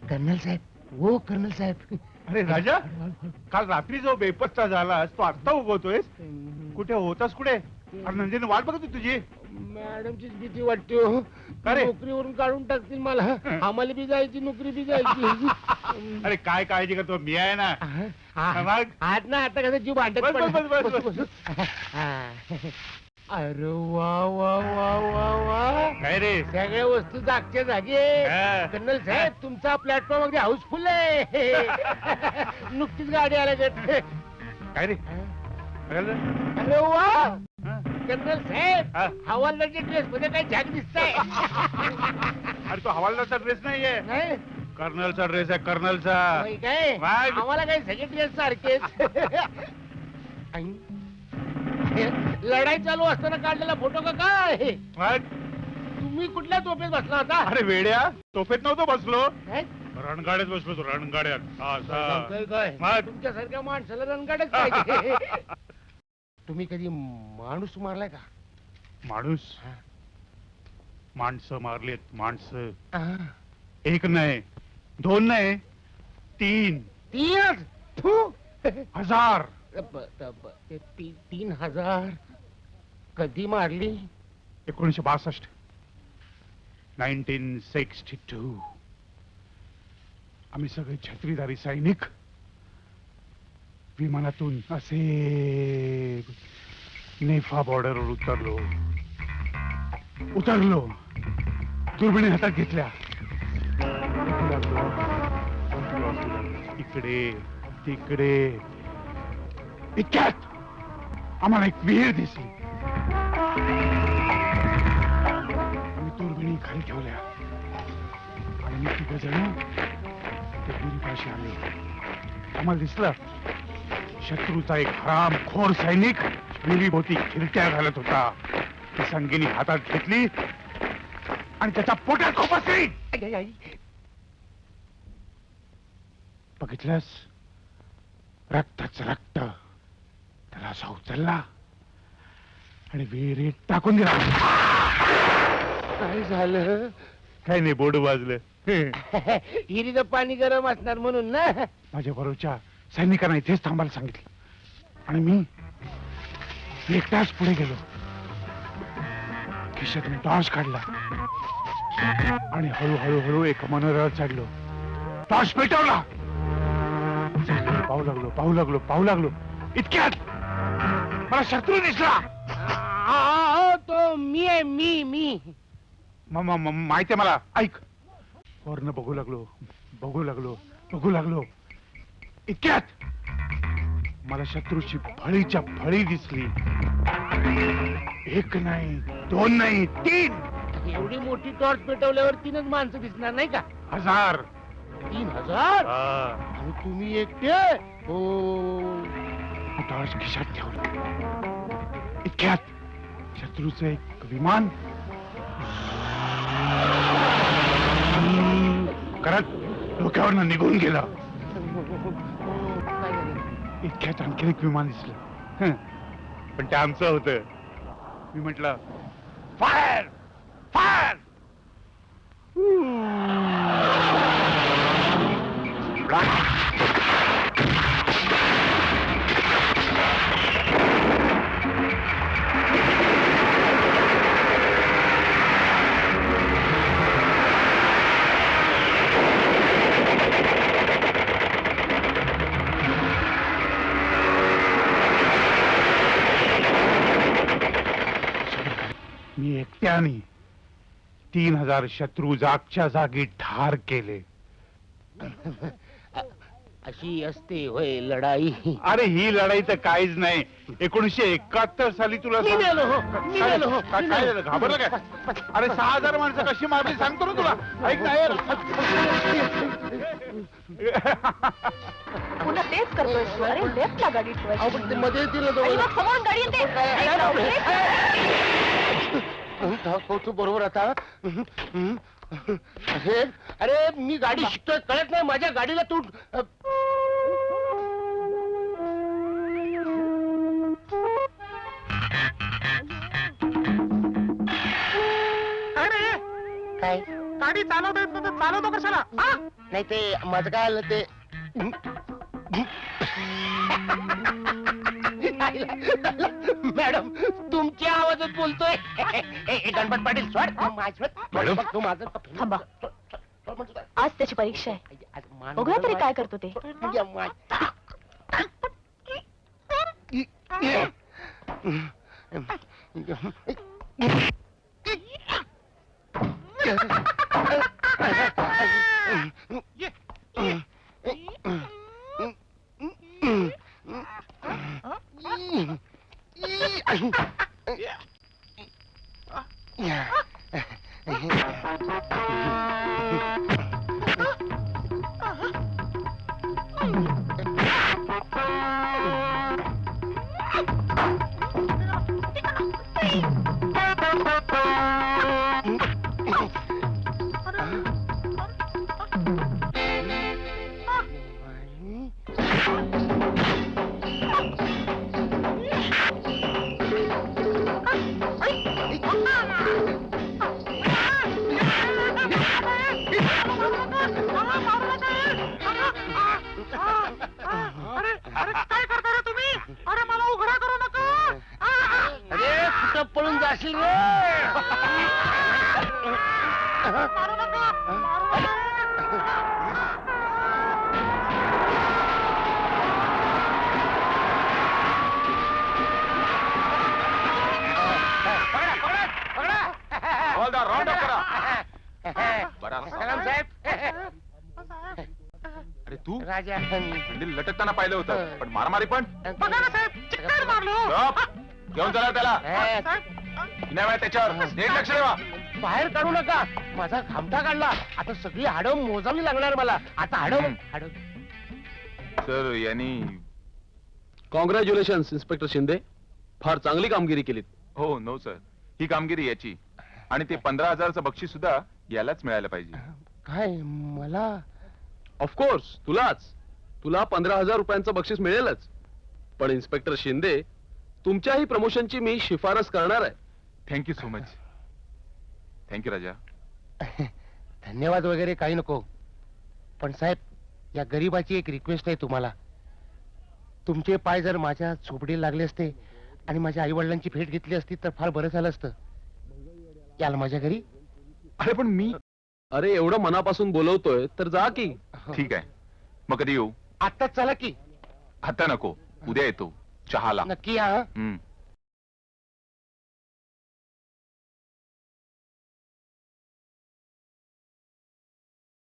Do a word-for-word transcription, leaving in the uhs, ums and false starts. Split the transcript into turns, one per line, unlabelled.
Colonel साहेब, हो colonel साहेब.
अरे राजा, काल रात्री जो बेपत्ता झालास तो आत्ता उगवतोयस. कुठे होतास कुठे? अरे नंदिनी वाट बघत होती तुझी.
मॅडमचीच भीती वाटते हो.
अरे.
नोकरीवरून काढून टाकतील मला. आम्हाला बी जायची, नोकरी बी जायची.
अरे काय काळजी करतो, मी आहे ना. मग?
आज ना आता कसं जीव भांडत
बस, बस, बस, बस,
पडला. हा. अरे वा वा वा वा वा.
काय रे?
सगळ्या वस्तू जागच्या जागी.
हा.
कर्नल साहेब, तुमचा प्लॅटफॉर्म अगदी हाऊसफुल आहे. नुकतीच गाडी आल्या.
काय रे? काय झालं?
अरे वा
हा?
कर्नल साहेब,
हा?
हवालदारच्या ड्रेस मध्ये काही झाक दिसताय.
अरे तो हवालदारचा ड्रेस नाहीये,
नाही
कर्नलचा ड्रेस आहे, कर्नलचा.
होय काय?
मग?
आम्हाला काही सगळे ड्रेस सारखेच. आई, लढाई चालू असताना काढलेला फोटो का काय?
मग?
तुम्ही कुठल्या झोपेत बसला होता?
अरे वेड्या, तोफेत नव्हतो बसलो,
काय?
रणगाड्यात बसलो होतो, रणगाड्यात.
सांगतोय काय?
मग?
तुमच्यासारख्या माणसाला रणगाडच पाहिजे. तुम्ही कधी माणूस मारलाय का?
माणूस?
हा.
माणसं मारलेत, माणसं.
हा.
एक नाही, दोन नाही, तीन
तीन? थू.
हजार.
ब- ब- ब- ते ती- तीन हजार कधी मारली?
एकोणीशे बासष्ट नाईन्टीन सिक्स्टी टू. आम्ही सगळे छत्रीधारी सैनिक विमानातून असे नेफा बॉर्डरवर उतरलो उतरलो दुर्बिणी हातात घेतल्या. इकडे तिकडे इतक्यात आम्हाला एक विहीर दिसली. आम्ही दुर्बिणी खाली ठेवल्या आणि मी तिघ जण त्या विहिरीपाशी आले. आम्हाला दिसलं शत्रूचा एक हरामखोर सैनिक विहिरीभोवती खिरट्या घालत होता. ती संगीनी हातात घेतली आणि त्याच्या पोटात खोपसली.
आई, आई.
बघितलंस, रक्तच रक्त. त्याला असा उचलला आणि विहिरीत टाकून दिला.
काय झालं?
काही नाही, बोर्ड वाजलं.
हिरीचं पाणी गरम असणार म्हणून ना.
माझ्या बरोबरच्या सैनिकांना इथेच थांबायला सांगितलं आणि मी एकटाच पुढे गेलो. खिशातून टॉर्च काढला आणि हळूहळू हळू एका मनोऱ्यावर चढलो. टॉर्च पेटवला. पाहू लागलो पाहू लागलो पाहू लागलो इतक्यात मला शत्रू दिसला.
आ, तो मी आहे, मी मी
म- म- म- माहितीये मला. ऐक, वरनं बघू लागलो बघू लागलो बघू लागलो इतक्यात मला शत्रूची फळीच्या फळी दिसली. एक नाही, दोन नाही, तीन.
एवढी मोठी टॉर्च पेटवल्यावर तीनच माणसं दिसणार नाही का?
हजार.
तीन हजार?
हा.
आणि तुम्ही एकटे? हो.
टॉर्च खिशात ठेवलं. इतक्यात शत्रूचं एक विमान करत डोक्यावरनं निघून गेलं.
काय झालं?
इतक्यात आणखीन एक विमान दिसलं. हं. पण ते आमचं होतं. मी म्हटलं फायर फायर. मी एकट्याने तीन हजार शत्रू जागच्या जागी ठार केले.
अशी असते होय लढाई.
अरे ही लढाई तर काहीच नाही. एकोणीशे एकाहत्तर साली तुला
मी
सांग-
मेलो हो, मी
काय-
मेलो हो,
काय
मी
काय
मेलो.
झालं? घाबरलं काय? अरे सहा हजार माणसं कशी मारली सांगतो ना तुला. ऐक ना यार.
पुन्हा तेच करतोय तू. अरे लेफ्टला गाडी ठेवायची.
अहो, पण ते मध्ये येतील ना
आणि
जवळ.
मग समोरून गाडी येते. एक राऊंड, एक राऊंड.
हो, तू बरोबर आता. अरे अरे मी गाडी शिकतोय कळत नाही. माझ्या गाडीला तू
काय
गाडी चालवता येत नव्हतं, चालवतो कशाला हा?
नाही ते माझं काय आलं ते मॅडम तुमच्या आवाजात बोलतोय ए, ए, गणपत पाटील सोड माझं बघ, तू माझं
थांबा. आज त्याची परीक्षा आहे. बघूया तरी काय करतो ते.
अरे अरे काय करता रे तुम्ही? अरे मला उघडा करू नका.
अरे कुठं पळून जाशील रे
मारू नका, मारू नका.
हवालदार राऊंड अप करा. बरा
सलाम साहेब.
अरे तू
राजा
हंडील लटकताना पाहिलं होतं, पण मारामारी पण
बघा ना साहेब, चिक्कार मारलो.
गप. घेऊन चला त्याला.
ए,
नाही माहिती त्याच्यावर नीट लक्ष ठेवा.
बाहेर काढू नका. माझा खामटा काढला. आता सगळी हाडं मोजावी लागणार मला. आता हाडं
हम्म.
हाडं
सर यांनी
कॉंग्रॅच्युलेशन्स इन्स्पेक्टर शिंदे, फार चांगली कामगिरी केलीत.
हो नो सर, ही कामगिरी याची आणि ते पंधरा हजारचं बक्षीस सुद्धा यालाच मिळायला पाहिजे.
काय मला
ऑफकोर्स तुलाच, तुला पंधरा हजार रुपयांचं बक्षीस मिळेलच. पण इन्स्पेक्टर शिंदे, तुमच्याही प्रमोशनची मी शिफारस करणार आहे.
Thank you so much. Thank you Raja.
धन्यवाद वगैरे काही नको. पण साहेब, या गरीबाची एक रिक्वेस्ट आहे तुम्हाला. तुमचे पाय जर माझ्या झोपडीला लागले असते आणि माझ्या आई वडिलांची भेट घेतली असती तर फार बरं झालं असतं. याल माझ्या घरी.
अरे पण मी
अरे एवढं मनापासून बोलवतोय तर जा की.
ठीक आहे, मग कधी येऊ?
आत्ताच चला की.
आता नको, उद्या येतो चहाला.
नक्की या हं?
हम्म